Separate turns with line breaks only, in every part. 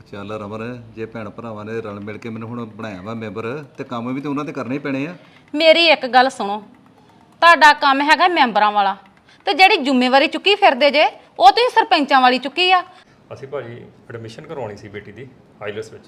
ਚੱਲ ਰਮਨ, ਜੇ ਭੈਣ ਭਰਾਵਾਂ ਨੇ ਰਲ ਮਿਲ ਕੇ ਮੈਨੂੰ ਹੁਣ ਬਣਾਇਆ ਵਾ ਮੈਂਬਰ, ਤੇ ਕੰਮ ਵੀ ਤਾਂ ਉਹਨਾਂ ਦੇ ਕਰਨੇ ਹੀ ਪੈਣੇ ਆ।
ਮੇਰੀ ਇੱਕ ਗੱਲ ਸੁਣੋ, ਤੁਹਾਡਾ ਕੰਮ ਹੈਗਾ ਮੈਂਬਰਾਂ ਵਾਲਾ, ਤੇ ਜਿਹੜੀ ਜ਼ਿੰਮੇਵਾਰੀ ਚੁੱਕੀ ਫਿਰਦੇ ਜੇ ਉਹ ਤੁਸੀਂ ਸਰਪੰਚਾਂ ਵਾਲੀ ਚੁੱਕੀ ਆ।
ਅਸੀਂ ਭਾਜੀ ਐਡਮਿਸ਼ਨ ਕਰਵਾਉਣੀ ਸੀ ਬੇਟੀ ਦੀ ਆਈਲੈਟਸ ਵਿੱਚ।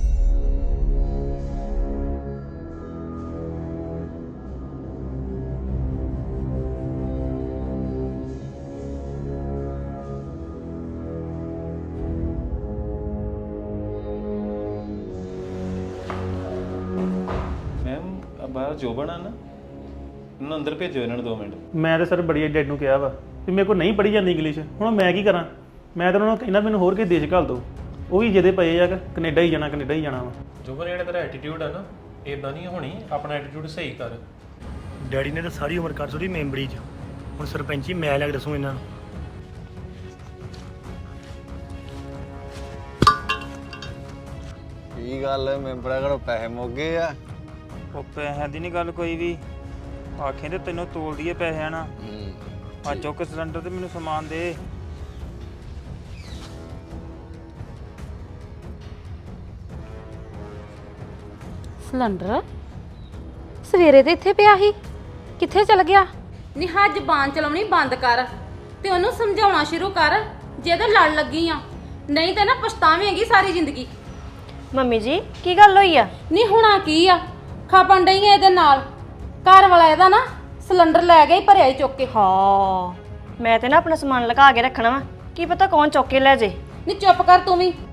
ਬਾਹਰ ਜੋਬਨ ਆ ਨਾ, ਇਹਨੂੰ ਅੰਦਰ ਭੇਜੋ ਇਹਨਾਂ ਨੂੰ 2 ਮਿੰਟ।
ਮੈਂ ਤਾਂ ਸਰ ਬੜੀ ਡੈਡ ਨੂੰ ਕਿਹਾ ਵਾ ਵੀ ਮੇਰੇ ਕੋਲ ਨਹੀਂ ਪੜ੍ਹੀ ਜਾਂਦੀ ਇੰਗਲਿਸ਼, ਹੁਣ ਮੈਂ ਕੀ ਕਰਾਂ? ਮੈਂ ਤਾਂ ਉਹਨਾਂ ਨੂੰ ਕਹਿੰਦਾ ਮੈਨੂੰ ਹੋਰ ਕਿਸੇ ਦੇਸ਼ ਘੱਲ ਦਿਓ, ਉਹ ਵੀ ਜਿਹਦੇ ਪਏ ਆ ਕੈਨੇਡਾ ਹੀ ਜਾਣਾ ਵਾ।
ਜੋਬਨ ਜਿਹੜਾ ਤੇਰਾ ਐਟੀਟਿਊਡ ਆ ਨਾ, ਇਦਾਂ ਨਹੀਂ ਹੋਣੀ, ਆਪਣਾ ਐਟੀਟਿਊਡ ਸਹੀ ਕਰ।
ਡੈਡੀ ਨੇ ਤਾਂ ਸਾਰੀ ਉਮਰ ਕਰ ਛੋੜੀ ਮੈਂਬਰੀ 'ਚ, ਹੁਣ ਸਰਪੰਚੀ ਮੈਂ ਲੈ ਕੇ ਦੱਸੂ ਇਹਨਾਂ ਨੂੰ।
ਕੀ ਗੱਲ ਮੈਂਬਰਾਂ ਕੋਲੋਂ ਪੈਸੇ ਮੁੱਕ ਗਏ ਆ?
ਉਹ ਪੈਸਿਆਂ ਦੀ ਨਹੀਂ ਗੱਲ ਕੋਈ ਵੀ, ਆਖੇ ਤੇ ਤੈਨੂੰ ਤੋਲ ਦਈਏ ਪੈਸਿਆਂ ਨਾਲ। ਆ ਚੁੱਕ ਸਿਲੰਡਰ ਤੇ ਮੈਨੂੰ ਸਮਾਨ ਦੇ।
ਸਿਲੰਡਰ ਸਵੇਰੇ ਤੇ ਇੱਥੇ ਪਿਆ ਸੀ, ਕਿੱਥੇ ਚਲ ਗਿਆ? ਨਿਹਾ ਜ਼ਬਾਨ ਚਲਾਉਣੀ ਬੰਦ ਕਰ ਤੇ ਉਹਨੂੰ ਸਮਝਾਉਣਾ ਸ਼ੁਰੂ ਕਰ, ਜਿਹਦੇ ਲੜ ਲੱਗੀ ਆ, ਨਹੀਂ ਤੇ ਨਾ ਪਛਤਾਵੇਂਗੀ ਸਾਰੀ ਜ਼ਿੰਦਗੀ।
ਮੰਮੀ ਜੀ ਕੀ ਗੱਲ ਹੋਈ ਆ?
ਨਹੀਂ ਹੋਣਾ ਕੀ ਆ, ਖਾਪਣ ਡਈ ਆ ਇਹਦੇ ਨਾਲ। ਘਰ ਵਾਲਾ ਇਹਦਾ ਨਾ ਸਿਲੰਡਰ ਲੈ ਗਿਆ ਹੀ ਭਰਿਆ ਹੀ ਚੁੱਕ ਕੇ।
ਹਾਂ ਮੈਂ ਤੇ ਨਾ ਆਪਣਾ ਸਮਾਨ ਲਗਾ ਕੇ ਰੱਖਣਾ ਵਾ, ਕੀ ਪਤਾ ਕੌਣ ਚੁੱਕ ਕੇ ਲੈ ਜੇ।
ਨਹੀਂ ਚੁੱਪ ਕਰ ਤੂੰ ਵੀ,